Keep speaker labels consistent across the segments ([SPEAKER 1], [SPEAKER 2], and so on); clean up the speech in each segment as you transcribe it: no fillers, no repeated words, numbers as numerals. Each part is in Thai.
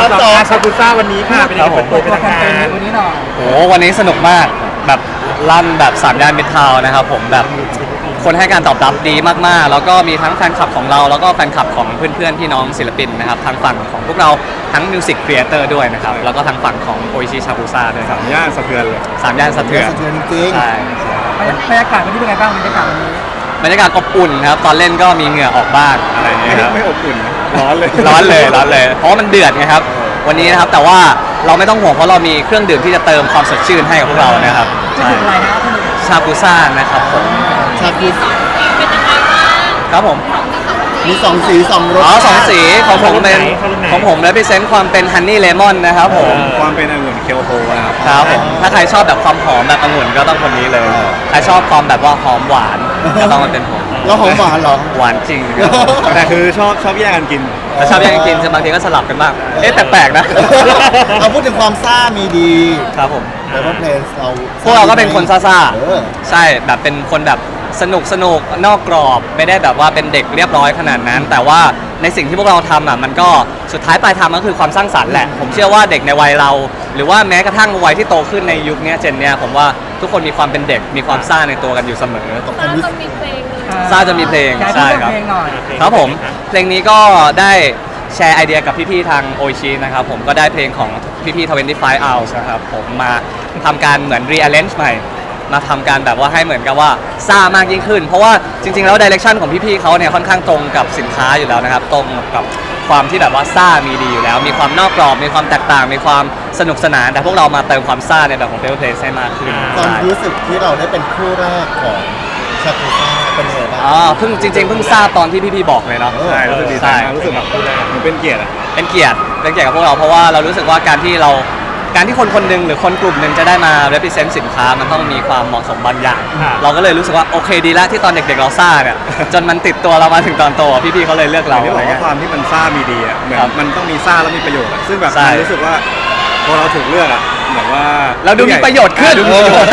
[SPEAKER 1] สองชาบูซ่าวันนี้ค่ะเป็นยังไงเปิดตัวเป็นทางการ
[SPEAKER 2] วันนี้หน่อย
[SPEAKER 3] โอ้วันนี้สนุกมากแบบลั่นแบบ3 ย่านมิตรทาวน์นะครับผมแบบคนให้การตอบรับดีมากๆแล้วก็มีทั้งแฟนคลับของเราแล้วก็แฟนคลับของเพื่อนๆพี่น้องศิลปินนะครับทางฝั่งของพวกเราทั้งมิวสิกครีเอเตอร์ด้วยนะครับแล้วก็ทางฝั่งของโออิชิชาบูซ่าด้วยครับ
[SPEAKER 1] ย่านสะเทือนเลย
[SPEAKER 3] 3 ย่านสะเทือน
[SPEAKER 4] สะเทือนจริง
[SPEAKER 3] ใช่
[SPEAKER 2] บรรยากาศวันนี้เป็นไงบ้างบรรยากาศวันนี้
[SPEAKER 3] บรรยากาศอบอุ่นครับตอนเล่นก็มีเหงื่อออกบ้างอะไรอย่างเงี้ยครับ
[SPEAKER 1] ไม่อบอุ่นนะร้อนเลย
[SPEAKER 3] ร้อนเลยเพราะว่ามันเดือดไงครับวันนี้นะครับแต่ว่าเราไม่ต้องห่วงเพราะเรามีเครื่องดื่มที่จะเติมความสดชื่นให้กับพวกเรานะครับ
[SPEAKER 2] จะถึงอะไรนะท่าน
[SPEAKER 3] ชาบูซ่านะครับผม
[SPEAKER 4] ๆชาบู
[SPEAKER 3] ครับผม
[SPEAKER 4] มี2 สี 2 รส
[SPEAKER 3] อ๋อ2 สีของผมเป็นของผมและพิเศษความเป็นฮันนี่เลมอนนะครับผม
[SPEAKER 1] ความเป็นองุ่นเคียวโฮนะครับ
[SPEAKER 3] ครับผมถ้าใครชอบแบบความหอมแบบองุ่นก็ต้องคนนี้เลยใครชอบความแบบว่าหอมหวานก็ต้องมาเป็นผม
[SPEAKER 4] แล้วหอมหวานเหรอ
[SPEAKER 3] หวานจริงครับผม
[SPEAKER 1] แต่คือชอบแยกกันกิน
[SPEAKER 3] แต่ชอบแย่งกันกินบางทีก็สลับกันบ้างเอ๊ะแปลกๆนะ
[SPEAKER 4] เราพูดถึงความซ่ามีดี
[SPEAKER 3] ครับผม
[SPEAKER 4] แต่ว่าเพลงเรา
[SPEAKER 3] พวกเราก็เป็นคนซ่า
[SPEAKER 4] เออ
[SPEAKER 3] ๆใช่แบบเป็นคนแบบสนุกนอกกรอบไม่ได้แบบว่าเป็นเด็กเรียบร้อยขนาดนั้น แต่ว่าในสิ่งที่พวกเราทำอ่ะมันก็สุดท้ายปลายทางก็คือความสร้างสรรค์แหละผมเชื่อว่าเด็กในวัยเรา หรือว่าแม้กระทั่งวัยที่โตขึ้นในยุคนี้เจนเนี้ยผมว่าทุกคนมีความเป็นเด็กมีความซ่าในตัวกันอยู่เสมอ
[SPEAKER 4] ความรู้สึก
[SPEAKER 3] ซ่าจะมีเพลง
[SPEAKER 2] ย้าย
[SPEAKER 3] ใช่ครับ
[SPEAKER 2] เพลงหน่อย
[SPEAKER 3] ครับผมเพลงนี้ก็ได้แชร์ไอเดียกับพี่ๆทางโอชินะครับผมก็ได้เพลงของพี่ๆ25 hours นะครับผมมาทำการเหมือน rearrange ใหม่มาทำการแบบว่าให้เหมือนกับว่าซ่ามากยิ่งขึ้น เพราะว่าจริงๆแล้ว direction ของพี่ๆเขาเนี่ยค่อนข้างตรงกับสินค้าอยู่แล้วนะครับตรงกับความที่แบบว่าซ่ามีดีอยู่แล้ว มีความนอกกรอบมีความแตกต่างมีความสนุกสนานแต่พวกเรามาเติมความซ่าในแบบของ Paper Place ให้มากขึ้น
[SPEAKER 4] ความ
[SPEAKER 3] ใช่
[SPEAKER 4] รู้สึกที่เราได้เป็นคู่แรกของชาบูซ่าเป็นยังไงบ้าง
[SPEAKER 3] อ๋อเพิ่งจริงๆเพิ่งทราบตอนที่พี่ๆบอกเลยเนาะ
[SPEAKER 1] ใช่รู้สึกดีใจมากรู้สึกแบบเหมือนเป็นเกียรติอะ
[SPEAKER 3] เป็นเกียรติกับพวกเราเพราะว่าเรารู้สึกว่าการที่คนคนหนึ่งหรือคนกลุ่มหนึ่งจะได้มา represent สินค้ามันต้องมีความเหมาะสมบางอย่าง เราก็เลยรู้สึกว่าโอเคดีแล้วที่ตอนเด็กๆเราซ่าเนี่ย จนมันติดตัวเรามาถึงตอนโตพี่ๆเขาเลยเลือก
[SPEAKER 1] เรา
[SPEAKER 3] เรา
[SPEAKER 1] ที่บ
[SPEAKER 3] อะไร
[SPEAKER 1] อกว่า
[SPEAKER 3] เงี้ย
[SPEAKER 1] ความที่มันซ่ามีดีอ่ะเหมือน
[SPEAKER 3] ครับ
[SPEAKER 1] มันต้องมีซ่าแล้วมีประโยชน์อะซึ่งแบบ
[SPEAKER 3] ใช่
[SPEAKER 1] มันรู้สึกว่าพอเราถูกเลือกอ่ะเหมือนว่า
[SPEAKER 3] เราดูมีประโยชน์ขึ้น
[SPEAKER 1] ดูมีประโยชน์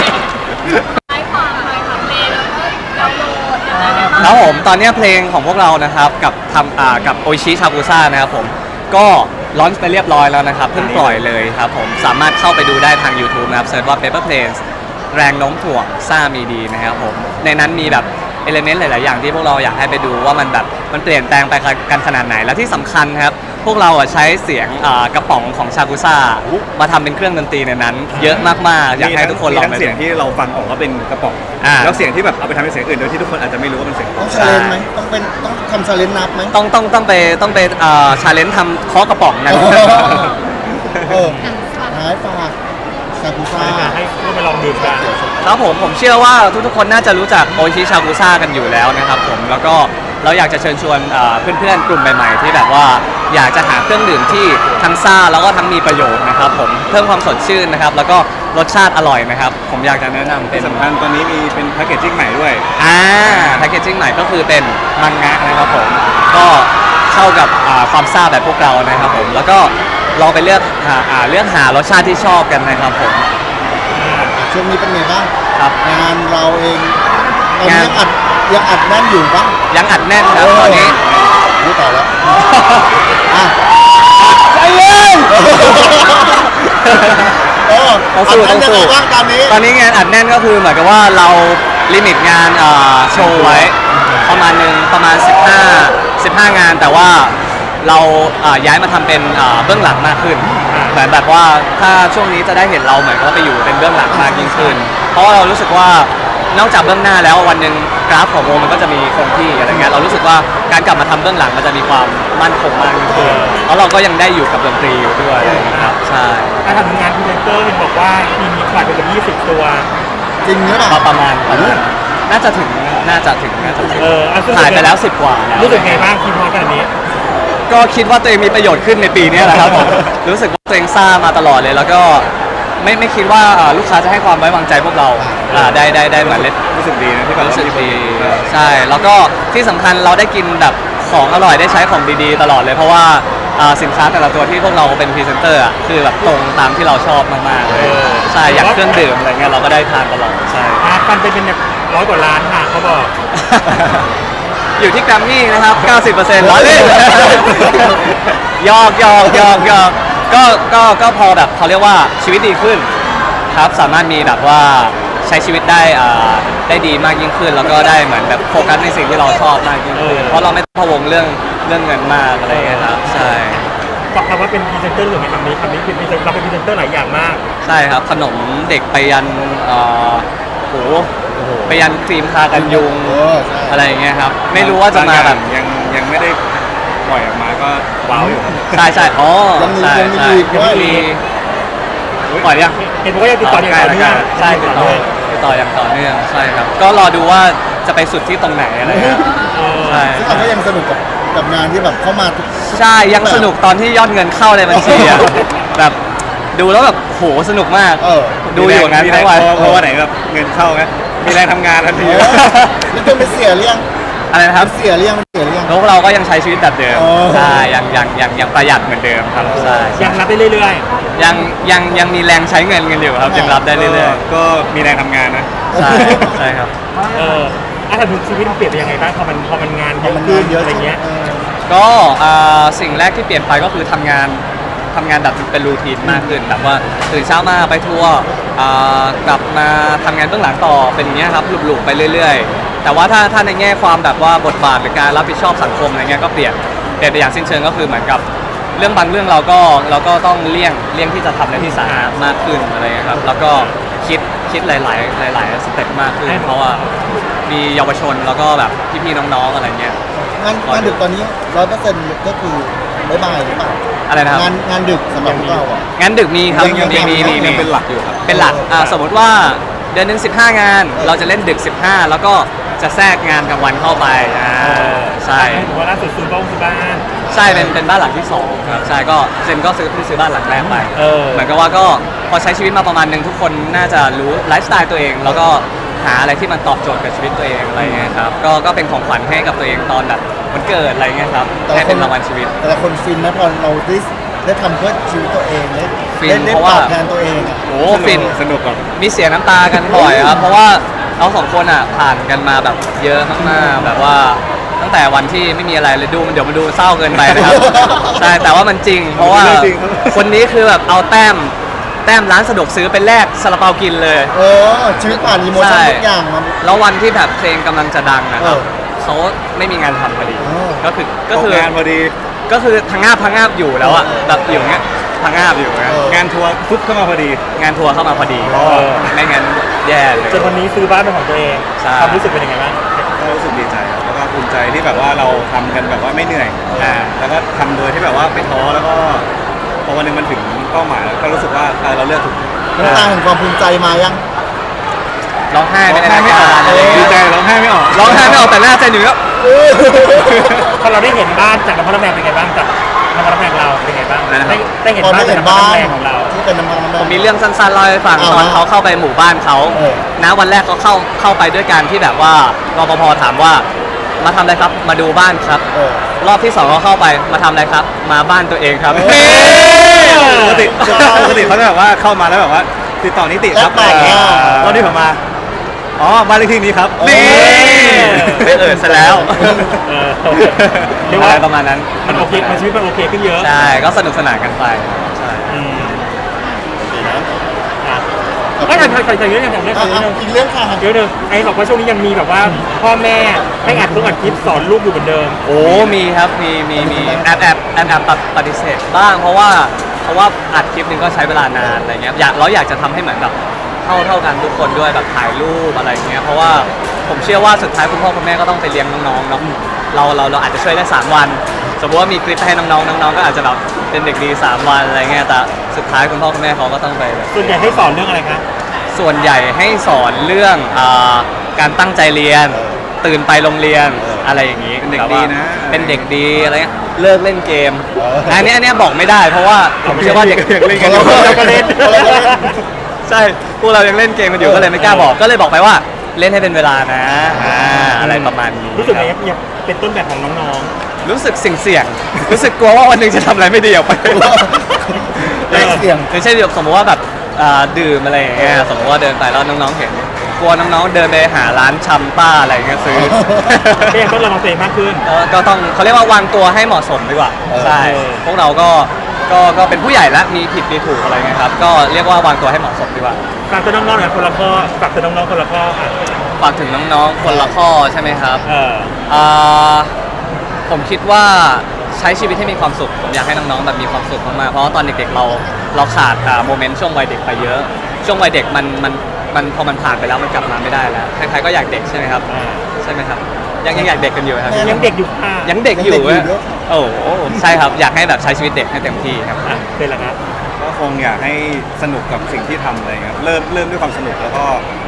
[SPEAKER 3] แล้วผมตอนเนี้ยเพลงของพวกเรานะครับกับกับโอชิชาบูซ่านะครับผมก็ลอนช์ไปเรียบร้อยแล้วนะครับเพิ่งปล่อยเลยครับผมสามารถเข้าไปดูได้ทาง YouTube นะครับเซิร์ชว่า Paper Planes แรงโน้มถ่วงซ่ามีดีนะครับผมในนั้นมีแบบเอลิเมนต์หลาย ๆ อย่างที่พวกเราอยากให้ไปดูว่ามันแบบมันเปลี่ยนแปลงไปกันขนาดไหนแล้วที่สำคัญครับพวกเราใช้เสียงกระป๋องของชาบูซ่ามาทำเป็นเครื่องดนตรีในนั้น เยอะมาก ๆ อยากให้ทุกคนลอง
[SPEAKER 1] มี
[SPEAKER 3] ไป
[SPEAKER 1] ทั้งเสียงที่เราฟังออกว่าเป็นกระป๋อง แล้วเสียงที่แบบเอาไปทำเป็นเสียงอื่นโดยที่ทุกคนอาจจะไม่รู้ว่าเป็นเสียง
[SPEAKER 4] ต้องชาเลนจ์ไหมต้องทำชาเลนจ์นับไหม
[SPEAKER 3] ต้องไปชาเลนจ์ทำเคาะกระป๋องกัน
[SPEAKER 4] เออท้ายฝากชาบูซ่า
[SPEAKER 1] ให้ไปลองดื่มกัน
[SPEAKER 3] ครับผมเชื่อว่าทุกๆคนน่าจะรู้จักโอชิชาบูซ่ากันอยู่แล้วนะครับผมแล้วก็เราอยากจะเชิญชวนเพื่อนๆกลุ่มใหม่ๆที่แบบว่าอยากจะหาเครื่องดื่มที่ทั้งซ่าแล้วก็ทั้งมีประโยชน์นะครับผมเพิ่มความสดชื่นนะครับแล้วก็รสชาติอร่อยนะครับผมอยากจะแนะนำเป็
[SPEAKER 1] ที่
[SPEAKER 3] น
[SPEAKER 1] สำคัญตอนนี้มีเป็นแพคเกจจิ้งใหม่ด้วย
[SPEAKER 3] แพคเกจจิ้งใหม่ก็คือเป็นมังงะนะครับผมก็เข้ากับความซ่าแบบพวกเรานะครับผมแล้วก็ลองไปเลือกหารสชาติที่ชอบกันนะครับผม
[SPEAKER 4] ช่วงนี้เป็นไงบ้าง
[SPEAKER 3] ครับ
[SPEAKER 4] งานเราเองตอนนี้
[SPEAKER 3] งาน
[SPEAKER 4] ยังอัดแน่นอยู่ปะ
[SPEAKER 3] ยังอัดแน่นครับตอนนี้
[SPEAKER 4] รู้ต่อแล้วอ่ะ
[SPEAKER 3] ใจเย็น ต้องสู้
[SPEAKER 4] อัดแน่น
[SPEAKER 3] ต้องสู้
[SPEAKER 4] ยังไงบ้างตอนนี้
[SPEAKER 3] ตอนนี้งานอัดแน่นก็คือเหมือนกับว่าเราลิมิตงานโชว์ไว้ประมาณ15 งานแต่ว่าเราย้ายมาทำเป็นเบื้องหลังมากขึ้นเหมือนแบบว่าถ้าช่วงนี้จะได้เห็นเราเหมือนกับว่าไปอยู่เป็นเบื้องหลังมากยิ่งขึ้น เพราะว่าเรารู้สึกว่านอกจากเบื้องหน้าแล้ววันหนึ่งกราฟของวงมันก็จะมีคงที่อะไรเงี้ยเรารู้สึกว่าการกลับมาทำเบื้องหลังมันจะมีความมั่นคงมากยิ่งขึ้นแล้วเราก็ยังได้อยู่กับดนตรีอยู่ด้วยนะครับใช่
[SPEAKER 1] การทำงานพรีเซนเตอร์เห็นบอกว่ามีขายไปเป็น20 ตัว
[SPEAKER 4] จริงหรือเปล่า
[SPEAKER 3] ประมาณน่าจะถึงถ่ายไปแล้ว10 กว่าแล้ว
[SPEAKER 1] รู้สึกไงบ้างคิดพอกันนี้
[SPEAKER 3] ก็คิดว่าตัวเองมีประโยชน์ขึ้นในปีนี้แหละครับผมรู้สึกว่าตัวเองซ่ามาตลอดเลย แล้วก็ไม่คิดว่าลูกค้าจะให้ความไว้วางใจพวกเราได้เหมือนเล่น
[SPEAKER 1] รู้สึกดีนะที่แบบ
[SPEAKER 3] รู้สึก
[SPEAKER 1] ว่ามี
[SPEAKER 3] ดี
[SPEAKER 1] คน
[SPEAKER 3] ใช่แล้วก็ที่สำคัญเราได้กินแบบของอร่อยได้ใช้ของดีๆตลอดเลยเพราะว่าสินค้าแต่ละตัวที่พวกเราเป็นพรีเซนเตอร์คือแบบตรงตามที่เราชอบมากๆเลยใช่อย่างเครื่องดื่มอะไรเงี้ยเราก็ได้ทานตลอดใช่
[SPEAKER 1] ฟันเป็นแบบ100 กว่าล้านค่ะเขาบอก
[SPEAKER 3] อยู่ที่แกรมมี่นะครับ 90%ล้อเล่น หยอกก็พอแบบเขาเรียกว่าชีวิตดีขึ้นครับสามารถมีแบบว่าใช้ชีวิตได้ดีมากยิ่งขึ้น แล้วก็ได้เหมือนแบบโฟกัสในสิ่งที่เราชอบมากยิ่งขึ้นเพราะเราไม่ต้องพะวงเรื่องเงินมากอะไรอย่างเงี้ยครับใช่
[SPEAKER 5] บอกคำว่าเป็นพรีเซนเตอร์หรือไม่คำนี้เป็นเราเป็นพรีเซนเตอร์หลายอย่างมาก
[SPEAKER 3] ใช่ครับขนมเด็กไปยันโหไปยันครีมทากันยุง
[SPEAKER 4] ใช่
[SPEAKER 3] อะไรอย่างเงี้ยครับไม่รู้ว่าจะมาแบบ
[SPEAKER 1] ยังไม่ได้ปล่อยออกมาก็ว้าวอยู่ครับ
[SPEAKER 3] ใช่อ๋อใช่
[SPEAKER 4] ยังมี
[SPEAKER 3] ใช่
[SPEAKER 4] อีกด้วย
[SPEAKER 3] มีปล่อยยัง
[SPEAKER 5] เห็นบอกว่ายังติดต่ออย่างต่อเนื่อง
[SPEAKER 3] ใช่ติดต่ออย่างต่อเนื่องใช่ครับก็รอดูว่าจะไปสุดที่ตรงไหนอะไรเงี้ยใช่
[SPEAKER 4] ซึ่งเราก็ยังสนุกกับงานที่แบบเข้ามาทุก
[SPEAKER 3] ใช่ยังสนุกตอนที่ยอดเงินเข้าในบัญชีอะแบบดูแล้วแบบโหสนุกมาก ดูอยู่งั้นทั้งวัน
[SPEAKER 1] เพราะว่าไหนแบบเงินเข้าไงมีแรงทำงานทันที
[SPEAKER 4] แล้วจนไปเสียเรื่อง
[SPEAKER 3] อะไรนะครับ
[SPEAKER 4] เสียเรื่อง
[SPEAKER 3] แล้วเราก็ยังใช้ชีวิตแบบเดิม
[SPEAKER 4] อ๋อ
[SPEAKER 3] ใช่ยังประหยัดเหมือนเดิมครับใช่
[SPEAKER 5] ยังรับได้เรื่อย
[SPEAKER 3] ยังมีแรงใช้เงินกันอยู่ครับยังรับได้เรื่อย
[SPEAKER 1] ก็มีแรงทำงานนะ
[SPEAKER 3] ๆใช่ครับ
[SPEAKER 5] ถ้าถึงชีวิตมันเปลี่ยนไปยังไงบ้างพอมันงาน
[SPEAKER 4] พอมัน
[SPEAKER 5] เย
[SPEAKER 4] งานเย
[SPEAKER 5] อะ
[SPEAKER 4] อะ
[SPEAKER 5] อะไรเงี้ย
[SPEAKER 3] ก็สิ่งแรกที่เปลี่ยนไปก็คือทำงานแบบเป็นรูทีนมากขึ้นแบบว่าตื่นเช้ามาไปทัวร์กลับมาทำงานเบื้องหลังต่อเป็นอย่างเงี้ยครับหลุกๆไปเรื่อยๆ แต่ว่าถ้าในแง่ความแบบว่าบทบาทหรือการรับผิดชอบสังคมอะไรเงี้ยก็เปลี่ยนไปอย่างสิ้นเชิงก็คือเหมือนกับเรื่องบางเรื่องเราก็ต้องเลี่ยงที่จะทำในที่สาธารณะมากขึ้นอะไรเงี้ยครับแล้วก็คิดหลายสเต็ปมากขึ้นเพราะว่ามีเยาวชนแล้วก็แบบพี่ๆน้องๆอะไรเงี้ย
[SPEAKER 4] งานดึกตอนนี้100%ก็คือบ๊ายบายหรือเปล่า
[SPEAKER 3] อะไรนะครับ
[SPEAKER 4] งานดึกสำหรับพวกเราอ่ะ
[SPEAKER 3] งานดึกมีครับ
[SPEAKER 4] ยังมี
[SPEAKER 1] ยังเป็นหลักอยู่ครับ
[SPEAKER 3] เป็นหลักสมมติว่าเดือนหนึ่ง15 งาน เราจะเล่นดึก 15 แล้วก็จะแทรกงานกลางวันเข้าไปใช่
[SPEAKER 5] ถือว่าล่าสุดซื้อบ้าน
[SPEAKER 3] ใช่เป็นบ้านหลังที่2ครับใช่ก็เซนก็ซื้อบ้านหลังแรกไป เหมือนกับว่าก็พอใช้ชีวิตมาประมาณหนึ่งทุกคนน่าจะรู้ไลฟ์สไตล์ตัวเอง แล้วก็หาอะไรที่มันตอบโจทย์กับชีวิตตัวเองอะไรเงี้ยครับก็เป็นของขวัญให้กับตัวเองตอนแบบวันเกิดอะไรเงี้ยครับให้เป็นรางวัลชีวิต
[SPEAKER 4] แต่ละคนฟินนะพอเราได้ทำเพื่อชีวิตตัวเองได้
[SPEAKER 3] ฟิน
[SPEAKER 4] ได้
[SPEAKER 3] เพราะ
[SPEAKER 4] ต
[SPEAKER 3] ว่า
[SPEAKER 4] อบแทนตัวเองอ่ะ
[SPEAKER 3] โอ้ฟิน
[SPEAKER 1] สนุกกับ
[SPEAKER 3] มีเสียน้ำตากันบ่อยครับ เพราะว่าเราสองคนอ่ะผ่านกันมาแบบเยอะมากๆแบบว่าตั้งแต่วันที่ไม่มีอะไรเลยเดี๋ยวมันดูเศร้าเกินไปนะครับ ใช่แต่ว่ามันจริง เพราะว่า
[SPEAKER 1] จริงครับ
[SPEAKER 3] คนนี้คือแบบเอาแต้มร้านสะดวกซื้อไปแลกซาลาเปากินเลย
[SPEAKER 4] ชีวิตผ่านอีโมชั่นทุกอย่างมัน
[SPEAKER 3] แล้ววันที่แบบเพลงกำลังจะดังนะครับ
[SPEAKER 4] เออ
[SPEAKER 3] เขาไม่มีงานทำพอดี
[SPEAKER 4] เออ
[SPEAKER 3] ก็คือ
[SPEAKER 1] ตกงานพอดี
[SPEAKER 3] ก็คือพังงาบอยู่แล้วอ่ะแบบอยู่เงี้ยพังงาบอยู่เงี้ย
[SPEAKER 1] งานทัวร์ฟุบเข้ามาพอดี
[SPEAKER 3] งานทัวร์เข้ามาพอดีไม่งั้นแย่เลย
[SPEAKER 5] จนวันนี้ซื้อบ้านเป็นของตัวเอง
[SPEAKER 3] ใช่
[SPEAKER 5] ความรู้สึกเป็นยังไงบ้าง
[SPEAKER 1] ก็รู้สึกดีใจครับแล้วก็ภูมิใจที่แบบว่าเราทำกันแบบว่าไม่เหนื่อยแล้วก็ทำโดยที่แบบว่าไม่ท้อแล้วก็พอวันหนึงมันถึงเป้าหมายแล้วก็รู้สึกว่าเราเลือกถูก
[SPEAKER 4] น้ำตาแห่งความภูมิใจมายัง
[SPEAKER 3] ร้องไห้ไม่ได้
[SPEAKER 1] ไม่ออก
[SPEAKER 3] อะไรอย่าง
[SPEAKER 1] ดี
[SPEAKER 3] เงี้ย
[SPEAKER 1] ใจร้องไห้ไม่ออก
[SPEAKER 3] ร้องไห้ไม่ออกแต่หน้าเจนอยู่ก็
[SPEAKER 5] พอเราได้เห็นบ้านจากน้ำพันน้ำแรงเป็นไงบ้างจากน้ำพันน้ำแรงเราเป็นไงบ้างได้เห็น
[SPEAKER 4] พอ
[SPEAKER 5] บ้า
[SPEAKER 4] ได้
[SPEAKER 5] นจาก
[SPEAKER 4] เห็น
[SPEAKER 5] น้ำพัน
[SPEAKER 4] บ้าน
[SPEAKER 5] น้ำแรงของเรา
[SPEAKER 4] ที่เป็นน้ำมัน
[SPEAKER 3] ผมมีเรื่องสั้นๆเล่าให้ฟังตอนเขาเข้าไปหมู่บ้านเขา
[SPEAKER 4] เออ
[SPEAKER 3] นะวันแรกเขาเข้าไปด้วยการที่แบบว่ารปภถามว่ามาทำอะไรครับมาดูบ้านครับ รอบที่2เขาเข้าไปมาทำอะไรครับ มาบ้านตัวเองครับ
[SPEAKER 1] ปกติเขาจะแบบว่าเข้ามาแล้วแบบว่าติดต่อนิติครับ
[SPEAKER 4] แล้วแต่
[SPEAKER 1] ตอนนี้ผมมาอ๋อบ้านเลขที่นี้ครับ
[SPEAKER 3] นี่ไม่ซะแล้ว
[SPEAKER 5] เรียก
[SPEAKER 3] อะ
[SPEAKER 5] ว่า
[SPEAKER 3] ไรประมาณนั้น
[SPEAKER 5] มันโอเคมันชีวิตมันโอเคขึ้นเยอะ
[SPEAKER 3] ใช่ก็สนุกสนานกันไปใช่
[SPEAKER 5] ไม่ใช่เยอะอย่างเรื่องนึง
[SPEAKER 4] อีกเรื่องค่ะ
[SPEAKER 5] เยอะนึงไอ้บอกว่าช่วงนี้ยังมีแบบว่าพ่อแม่ให้อัดคลิปสอนลูกอยู่เหมือนเดิม
[SPEAKER 3] โอ้มีครับมีแอบปฏิเสธบ้างเพราะว่าอัดคลิปหนึงก็ใช้เวลานานอะไรเงี้ยอยากจะทำให้เหมือนแบบเท่ากันทุกคนด้วยแบบถ่ายรูปอะไรเงี้ยเพราะว่าผมเชื่อว่าสุดท้ายคุณพ่อคุณแม่ก็ต้องไปเลี้ยงน้องๆเนาะเราอาจจะช่วยได้3 วัน สมมติว่ามีคลิปให้น้องๆก็อาจจะแบบเป็นเด็กดี3 วันอะไรเงี้ยแต่สุดท้ายคุณพ่อคุณแม่เขาก็ต้องไปแบบ
[SPEAKER 5] ส่วนใหญ่ให้สอนเรื่องอะไรคะ
[SPEAKER 3] ส่วนใหญ่ให้สอนเรื่องการตั้งใจเรียน ตื่นไปโรงเรียนอะไรอย่างนี้
[SPEAKER 1] เป็นเด็กดีนะ
[SPEAKER 3] เป็นเด็กดีอะไรเงี้ยเลิกเล่นเกมอันนี้บอกไม่ได้เพราะว่าผมเชื่อว่าเด็ก
[SPEAKER 1] เล่นกัน
[SPEAKER 5] เราก็เล่น
[SPEAKER 3] ใช่พวกเรายังเล่นเกมกันอยู่ก็เลยไม่กล้าบอกก็เลยบอกไปว่าเล่นให้เป็นเวลานะอะไรประมาณนี้
[SPEAKER 5] รู้สึกไงยังเป็นต้นแบบของน้อง
[SPEAKER 3] รู้สึกเสี่ยงๆรู้สึกกลัวว่าวันหนึงจะทำอะไรไม่ดีออกไป
[SPEAKER 4] เสี่ยง
[SPEAKER 3] ไม่ใช่แบบสมมติว่าแบบดื่มอะไรอย่างเงี้ยสมมติว่าเดินไปแล้วน้องๆเห็นกกลัวน้องๆเดินไปหาร้านชำป้าอะไรอย่างเงี้ยซื้อ
[SPEAKER 5] ก็ยังต้องระวังตัวเองมากขึ้น
[SPEAKER 3] ก็ต้องเขาเรียกว่าวางตัวให้เหมาะสมดีกว่าใช่พวกเราก็เป็นผู้ใหญ่แล้วมีผิดมีถูกอะไรเงี้ยครับก็เรียกว่าวางตัวให้เหมาะสมดีกว่า
[SPEAKER 5] ฝากตัวน้องๆหน่อยคนละข้อฝากตัวน้องๆคนละข้ออ่ะ
[SPEAKER 3] ฝากถึงน้องๆคนละข้อใช่ไหมครับ
[SPEAKER 5] เออ
[SPEAKER 3] ผมคิดว่าใช้ชีวิตให้มีความสุขผมอยากให้น้องๆแบบมีความสุขมากๆเพราะว่าตอนเด็กๆเราขาดโมเมนต์ช่วงวัยเด็กไปเยอะ ช่วงวัยเด็กมันพอมันผ่านไปแล้วมันกลับมาไม่ได้แล้วใครๆก็อยากเด็กใช่ไหมครับใช่ไหมครับยังอยากเด็กกันอยู่ครับ
[SPEAKER 5] ยังเด็กอยู่ค่ะ
[SPEAKER 3] ยังเด็กอยู่โอ้โหใช่ครับอยากให้แบบใช้ชีวิตเด็กให้เต็มที่ครับ
[SPEAKER 5] อ่ะเป็นละครับ
[SPEAKER 1] ก็คงอยากให้สนุกกับสิ่งที่ทำอะไรเงี้ยครับเริ่มด้วยความสนุกแล้วก็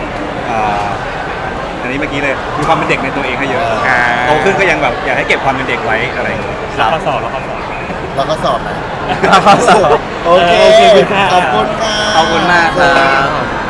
[SPEAKER 1] อันนี้เมื่อกี้เลยมีความเป็นเด็กในตัวเองให้เยอะโตขึ้นก็ยังแบบอยากให้เก็บความเป็นเด็กไว้อะไรอย่างเงี้ย
[SPEAKER 3] ครับ
[SPEAKER 5] ข้อสอบแล้วข้อสอบ
[SPEAKER 4] แล้วก็สอบนะ
[SPEAKER 3] ข้อสอบ
[SPEAKER 4] โอเค
[SPEAKER 5] โอเคค่ะ
[SPEAKER 4] ขอบคุณค่ะ
[SPEAKER 3] ขอบคุณมากครับ